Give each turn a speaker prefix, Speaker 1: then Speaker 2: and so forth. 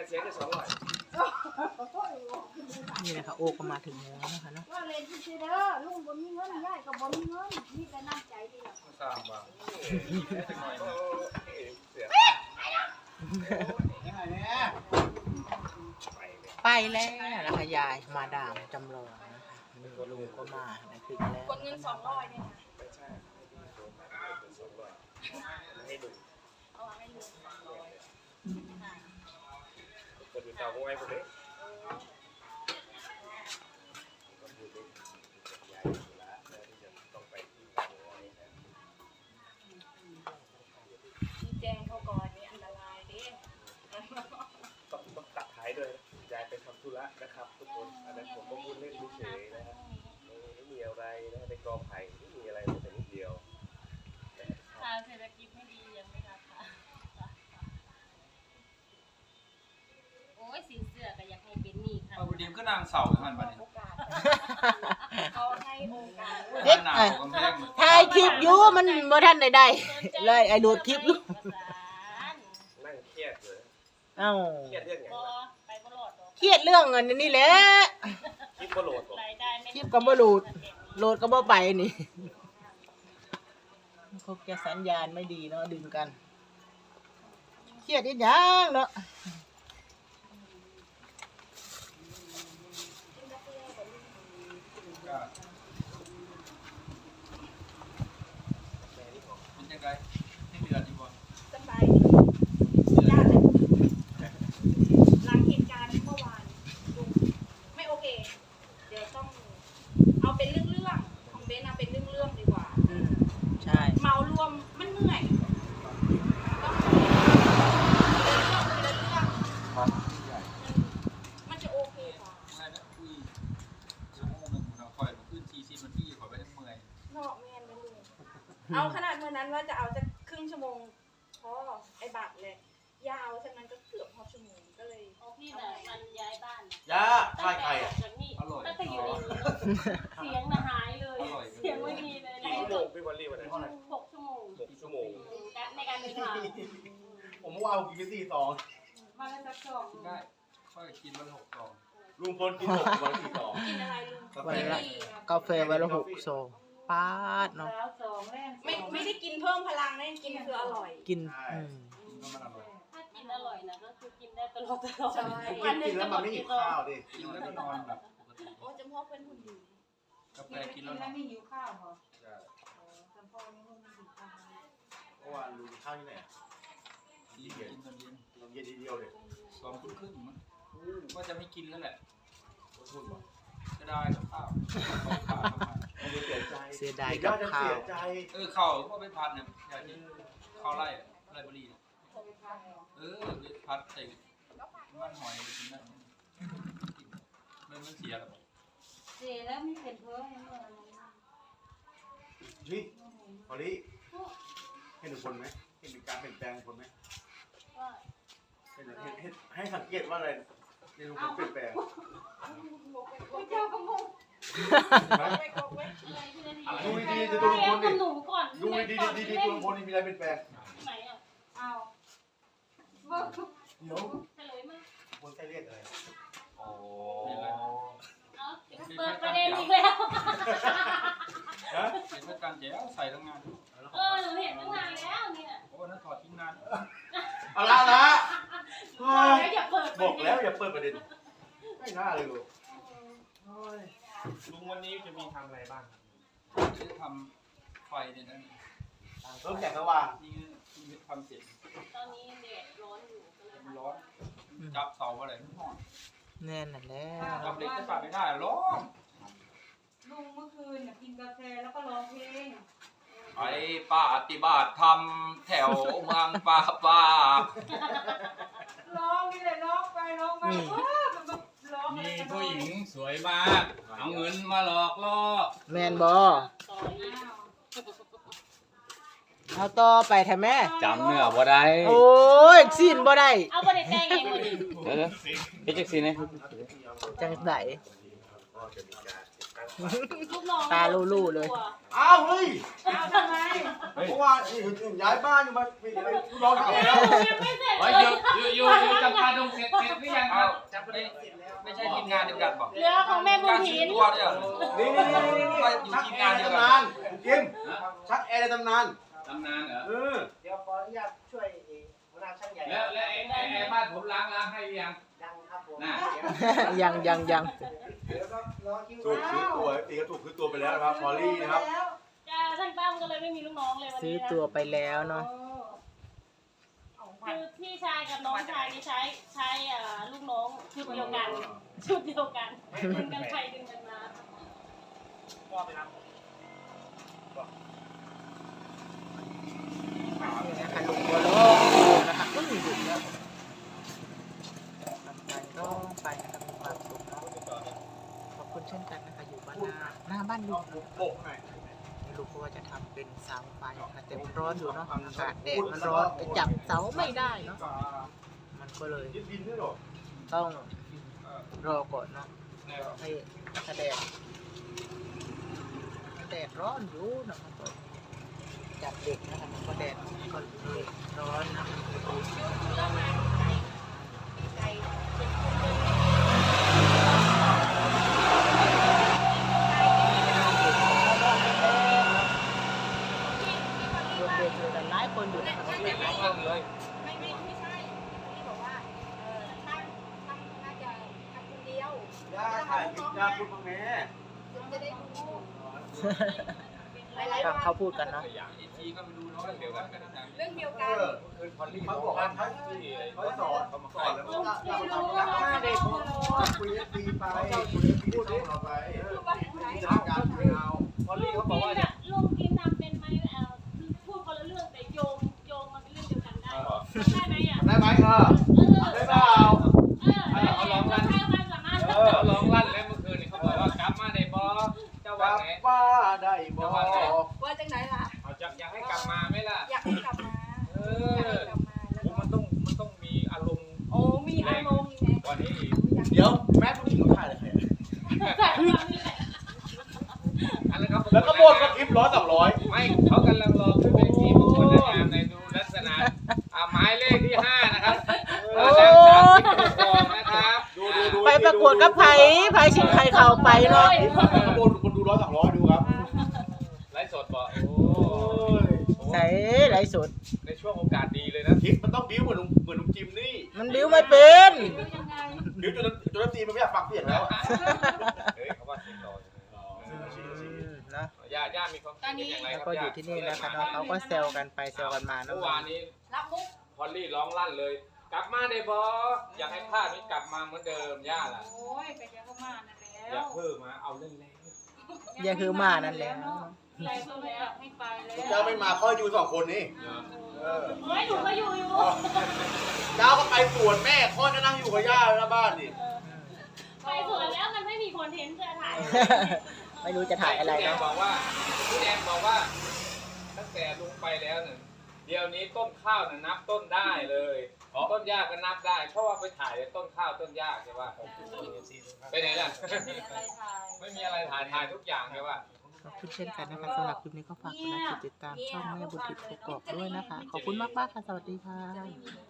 Speaker 1: เสียแค่200
Speaker 2: นี่นะคะโอ้ก็มาถึงแล้วนะคะเนาะ
Speaker 3: ว่าเล่นที่เด้อลุงบ่มีเงินยายก็บ่มีเงินมีแต่น้ำใจนี่แหละ
Speaker 1: สร้างบ้าง
Speaker 2: ไปแล้วนะคะยายมาดามจำลองนะคะลุงก็มานะคือแล้ว
Speaker 3: กดเงิน200เนี่ยนะ
Speaker 1: ไม่ใช่200ให้ดู
Speaker 3: เอาให้ลุง
Speaker 1: กดดูเตาไว้พวกนี้
Speaker 3: แจ้งเขาก่อนนี่อันตรายเด้
Speaker 1: ต้องตัดท้ายด้วยยายไปทำธุระนะครับทุกคนอันนั้นผมก็พูดเล่นเฉยๆนะครับไม่มีอะไรนะในกอไผ่ไม่มีอะไรแต่นิดเดียว
Speaker 4: ทางเศรษฐกิจไม่ดียังไม่รับค่ะโอ้ยสินเสื้อก็อยากให้เป็นหนี้ค่ะ
Speaker 5: เอาบุดีมก็นางเสาหันมาเนี่ย
Speaker 3: โอกาสเขาให้โอกาส
Speaker 2: เด็ก
Speaker 5: หนาว
Speaker 2: ไอ้
Speaker 5: กำแพงเหมือน
Speaker 2: ถ่ายคลิปอยู่มันบ่ทันได้เลยไอ้ดูดคลิปอยู่
Speaker 1: นั่งเครียดเลย
Speaker 2: เอ้า
Speaker 1: เครียดเรื่องไง
Speaker 4: บ่ไปบ่รอดหรอก
Speaker 2: เครียดเรื่องเงินนี่แหละ
Speaker 1: คิดว่าโหลดบอก
Speaker 4: รายได้ไม่
Speaker 2: คลิปก็บ่โหลดโหลดก็บ่ไปนี่พวกแกสัญญาณไม่ดีเนาะดึงกันเครียดอีหยังเนาะ
Speaker 5: เป็นยังไงให้เดือดดีกว่า
Speaker 3: สบายดีญาติหลังเหตุการณ์เมื่อวานลุงไม่โอเค เดี๋ยวต้องเอาเป็นเรื่องๆของเบนเอาเป็นเรื่องๆดีกว่า
Speaker 2: ใช่
Speaker 3: เมารวมมันเหนื่อยต้องเรื่องมันจะโอเคกว่า
Speaker 5: ไม่นะคุยชั่วโมงหนึ่งเราคอยขึ้น40 นาทีขอไปทั้งเมื่อย
Speaker 3: นอกแม่นไม่รู้เอาขนาดเมื่อนั้นว่าจะเอาจะครึ่งชั่วโมงพอไอ้บัตรเลยยาวฉะนั้นก็เกือบพอชั่วโมงก็เลย
Speaker 4: โอ้พี่น่ะมันย้ายบ้านน่ะ
Speaker 6: ย่าใช่ใครอ่ะ
Speaker 4: จากนี่ตั้งแต่อยู่ในนี้เสียงน่ะหายเลย เสียงไม่มีเลย
Speaker 1: กี่ชั่วโมงพี่วอลลี่วันนั้น
Speaker 4: 6 ชั่วโมง
Speaker 1: 6 ชั่วโมง
Speaker 4: ในการเดินทาง
Speaker 6: ผมว่าเอากิน4 ซอง
Speaker 4: มาแล้วสักสอง
Speaker 5: กินได้ค่อยกินวัน6 ซอง
Speaker 6: ลุงพลกิน6 วัน4 ซอง
Speaker 3: กินอะไรลุง
Speaker 2: วันละกาแฟวันละ6 ซองป๊าดเนาะ
Speaker 4: แล้วสองแรก
Speaker 3: ไม่ได้กินเพิ่มพลังนะกินคืออร่อย
Speaker 2: กิน
Speaker 5: กินก็มันอร่อย
Speaker 4: ถ้ากินอร่อยนะก็คือกินได้ตลอด
Speaker 3: ใช่
Speaker 6: กินแล้วมันไม่หิวข้าวดิ
Speaker 5: กินแล้วก็นอนแบบปกติ
Speaker 3: โอ้จำพวกเป็นหุ่นดี
Speaker 5: กาแฟกินแล้วนอน
Speaker 4: ไม่หิวข้าวเหรอ
Speaker 3: จำพวกนี้หุ่นดี
Speaker 6: เมื่อวานลุงข้าวที่ไหน
Speaker 5: กินตอนเย็น
Speaker 6: ลงเย็นทีเดียวเลย
Speaker 5: 2 ทุ่มครึ่งมั้งว่าจะไม่กินแล้วแหละ
Speaker 6: พูดบอก
Speaker 5: จะได้กับข้าวข้าวทำไม
Speaker 6: เสียใจ
Speaker 2: เสียดายกับข้าว
Speaker 6: เสียใจ
Speaker 5: ข้าวก็ไปพันเนี่ยอย่างนี้ข้าวไร่บุรีไปพัดใส่มันหอยไปกินได้มันเสียแล้ว
Speaker 4: เสียแล้วไม่เป็นเพื่อให้เมื่อ
Speaker 6: นี่พอดีเห็นคนไหมเห็นการเปลี่ยนแปลงคนไหม
Speaker 4: ว่า
Speaker 6: ให้สังเกตว่าอะไรในลุงพลเปลี่ยนแปลง
Speaker 3: เจ้าก็งง
Speaker 4: อะไรที่นั่น
Speaker 6: ดูดีๆดูลุงพลดิ
Speaker 4: หนูก่อน
Speaker 6: ดูดีๆดูลุงพลนี่มีอะไรเปลี่ยนแปลง
Speaker 4: ไหนอ่ะ
Speaker 3: เอา
Speaker 6: เดี๋ยว
Speaker 4: เฉลยมา
Speaker 6: คนใช้เรียกอะไรอ๋อ
Speaker 4: เอาเปิดประเด็นอีกแล้ว
Speaker 6: ฮะ
Speaker 5: เห็นว่าการแจ๋วใส่ทั้งงาน
Speaker 4: หนูเห็นตั้งนานแล้วเนี่ย
Speaker 5: โอ้นั่นถอดทิ้งนาน
Speaker 6: เอาละ
Speaker 4: แล้วอย่าเปิด
Speaker 6: บอกแล้วอย่าเปิดประเด็นไม่น่าเลยลูก
Speaker 1: ลุงวันนี้จะมีทำอะไรบ้าง
Speaker 5: จะทำไฟเนี่ยนะ
Speaker 6: เริ่มแสงสว่าง
Speaker 5: นี่ทำเสร็จ
Speaker 4: ตอนนี้แดดร้อนอยู่ก็เลย
Speaker 5: มันร้อนจับเสาอะไรไม่ร้อน
Speaker 2: แน่นอนแล้ว
Speaker 5: จับเหล็กจะปาดไม่ได้ร้อน
Speaker 7: ลุงเมื่อคืนกินกาแฟแล้วก็ร้องเพลง
Speaker 5: ไปปฏิบัติธรรมแถวเมืองป่า
Speaker 7: ร้องนี่เลยร้องไปร้องมาร้อง
Speaker 5: มีผู้หญิงสวยมาก เอาเงินมาหลอกล่อ
Speaker 2: แมนบอ
Speaker 4: ต่ออีก
Speaker 2: เอาต่อไปแท้แม่
Speaker 8: จำเนื้อบ่ได้
Speaker 2: โอ้ยสิ้นบ่ได้
Speaker 4: เอาประเด็นแดงเองหมดดิ
Speaker 8: เดี๋ยวเฮ็ดจังซี่นะ
Speaker 2: จังได
Speaker 4: ลูกน้อง
Speaker 2: ตาลู่ๆเลย
Speaker 6: อ้าวเฮ้ย
Speaker 7: เอาทำไม
Speaker 6: เพราะว่าย้ายบ้านอยู่มาร้อง
Speaker 4: เ
Speaker 6: ทำไมแล้ว
Speaker 4: ยังไม่เสร็จ
Speaker 8: เฮ้ยอยู่จำปาดงเสร็จหรือยังครับจำได้
Speaker 5: ไม่ใช่ทีมงานเดียวกันบอก
Speaker 4: เหลือของแม่บุ
Speaker 5: กา
Speaker 4: ญ
Speaker 5: ร
Speaker 4: ถิ
Speaker 5: ซื้อน ตัวเนี่ย
Speaker 6: นี่
Speaker 5: อยู่
Speaker 6: ชัก
Speaker 5: ทีม
Speaker 6: แอร์
Speaker 5: งาน
Speaker 6: ใน
Speaker 5: เดียว
Speaker 6: ตำ
Speaker 5: กัน
Speaker 6: นานจิมชักแอร์ในตำนาน
Speaker 8: ตำนานเหรอ
Speaker 9: เดี๋ยวขออนุญาตช่วยหัวหน้าช่างใหญ่
Speaker 8: แล้วไอ้บ้านผมล้างให้ยัง
Speaker 9: ดังครับผม
Speaker 8: น่ะ
Speaker 2: ยัง
Speaker 9: เดี๋ยวก็รอคิว
Speaker 6: ถูกซื้อตัวตีก็ถูกซื้อตัวไปแล้วนะครับพอลลี่นะครับ
Speaker 4: จ้าช่างตั้มก็เลยไม่มีลูกน้องเลยวัน
Speaker 2: ซื้อ
Speaker 4: นี้นะ
Speaker 2: ตัวไปแล้วเนาะ
Speaker 4: คือพี่ชายกับน้องชายนี่ใช้ลูกน้องชุดเดียวกันดึงกันไปดึงกันมา
Speaker 9: พ่อไปรับ
Speaker 2: นี่นะคะลุงบัวลงนะคะก็อยู่ดึกแล้วทำไปร้องไปนะคะมีความสุขเนาะขอบคุณเช่นกันนะคะอยู่บ้านหน้าบ้านลุง
Speaker 6: โบกหน่อย
Speaker 2: นี่ลุงก็ว่าจะทำเป็นเสาไฟค่ะแต่มันร้อนอยู่เนาะอากาศแดดมันร้อนไปจับเสาไม่ได้เนาะมันก็เลย
Speaker 6: ยึดดินด้วยหรอ
Speaker 2: ต้องรอก่อนเนาะให้แดดร้อนอยู่นะครับก็จับเด็กนะคะมันก็แดดก็เลยร้อนนะ
Speaker 3: ไก่
Speaker 2: รวมเด็กเลยแต่หลายคนอยู่นะคะก็เป็นหลายคน
Speaker 5: เลย
Speaker 3: ไม่ใช่ที่บอกว่าช่างน่าจะทำคนเดียว
Speaker 6: ย่าถ่ายคลิปย่าพูดมาแม่
Speaker 3: จะได้ดูหลายๆ
Speaker 2: ฟั
Speaker 3: วั
Speaker 2: ง
Speaker 3: น
Speaker 2: เขาพูดกันเนาะ
Speaker 5: อย่างอีทีก็ไม่รู้เนาะเดียวกันกันนะ
Speaker 3: เรื่องเดียวกัน
Speaker 5: คืนพอลลี่
Speaker 6: เขาบอกว่าเขาสอนแล้วก็ย่ามาทำงานเด็กคุยดีไปคุยดีพูดดีเราไปจัดการไม่เอา
Speaker 5: พอลลี่เขาบอกว่า
Speaker 4: ลุงกินทำเป็นไหมพูดคนละเรื่องแต่โยงมันเป็นเรื่องเดียวกันได้ได้ไหมอ่ะ
Speaker 6: ได้ไหมได้เปล่า
Speaker 8: เขาร้องลั่น
Speaker 4: ใช้ความสามารถ
Speaker 8: เขาร้องลั่นแล้วเมื่อคืนนี่เขาบอกว่ากลับมาในบ่เจ้าว่าไง
Speaker 6: ป้าได้บอก
Speaker 3: ว่าจังไหนล่ะ
Speaker 8: เขาจะอยากให้กลับมาไหมล่ะ
Speaker 3: อยากให้กลับมา
Speaker 8: เอ
Speaker 3: อยาก
Speaker 8: อ
Speaker 3: ให้กลับมาแล้วก็
Speaker 8: มันต้องมีอารมณ์
Speaker 3: โอ้มีอารมณ์ไง
Speaker 8: กว่านี้อีก
Speaker 6: เดี๋ยวแม่ผู้หญิงเขาถ่ายเลยใคร
Speaker 8: อันนั้นเขา
Speaker 6: แล้วก็หมดกับคลิป100-200
Speaker 8: ไม่เขากำลังรอขึ้นเวทีประกวดนางงามในดูลักษณะหมายเลขที่5นะครับนางสาวทิพย์ทองนะครับ
Speaker 6: ดู
Speaker 2: ไปประกวดกับไผ่ชิงไข่เข่าไปเนาะ
Speaker 6: ข้างบนคนดู100-200ดูครับ
Speaker 8: ไลฟ์สดบอก
Speaker 6: โอ้ย
Speaker 2: ใส่ไรสุด
Speaker 8: ในช่วงโอกาสดีเลยนะ
Speaker 6: คลิปมันต้องบิ้วเหมือนลุงจิมนี่
Speaker 2: มันบิ้วไม่เป็น
Speaker 6: บิ้วจนตีมันไม่อยากฟังเสียงแล้ว
Speaker 8: เฮ้ยเขาว่าเสียงต่อ
Speaker 2: นะ
Speaker 8: ย่ามีความคิดอย่างไร
Speaker 2: แล้ว
Speaker 8: ครับ
Speaker 2: ก็อยู่ที่นี่นะคะเนาะเขาก็แซวกันไปแซวกันมาเนาะ
Speaker 8: เมื่อวานนี้
Speaker 3: รับมุก
Speaker 8: พอลลี่ร้องลั่นเลย กลับมาได้บออยากให้ภาพนี้กลับมาเหมือนเดิมย่าล่ะ
Speaker 7: โอ้ยไปเจอเขามานั่นแล้
Speaker 8: อย่าว เพิ่มมาเอาเล่นแล้ว
Speaker 2: อย่าคือมานั่นแหละ
Speaker 7: อะไรเพิ่มแล้วไม่ไปแล้ว
Speaker 6: เจ้าไม่มาค่อยอยู่2คนนี่
Speaker 4: เฮ้ยหนูก็อยู่
Speaker 6: เจ้าก็ไปสวนแม่ค่อยก็นั่งอยู่กับย่าหน้าบ้านนี่
Speaker 4: ไปสวนแล้วมันไม่มีคอนเทนต์จะถ่าย
Speaker 2: ไม่รู้จะถ่ายอะไร
Speaker 8: พี่แดง
Speaker 2: เนาะ
Speaker 8: บอกว่าพี่แดงบอกว่า ตั้งแต่ลุงไปแล้วเนี่ยเดี๋ยวนี้ต้นข้าวน่ะนับต้นได้เลยต้นหญ้าก็นับได้ เพราะว่าไปถ่ายต้นข้าวต้นหญ้าใช่ป่ะไปไหนล่ะ ไม่มีอะไรถ่ายทุกอย่างใช่ป่ะ
Speaker 2: ขอบคุณเช่นกันนะคะสำหรับคลิปนี้ก็ฝากกดไลค์กดติดตามช่องแม่บุญทิพย์กกอกด้วยนะคะ ขอบคุณมากๆค่ะ สวัสดีค่ะ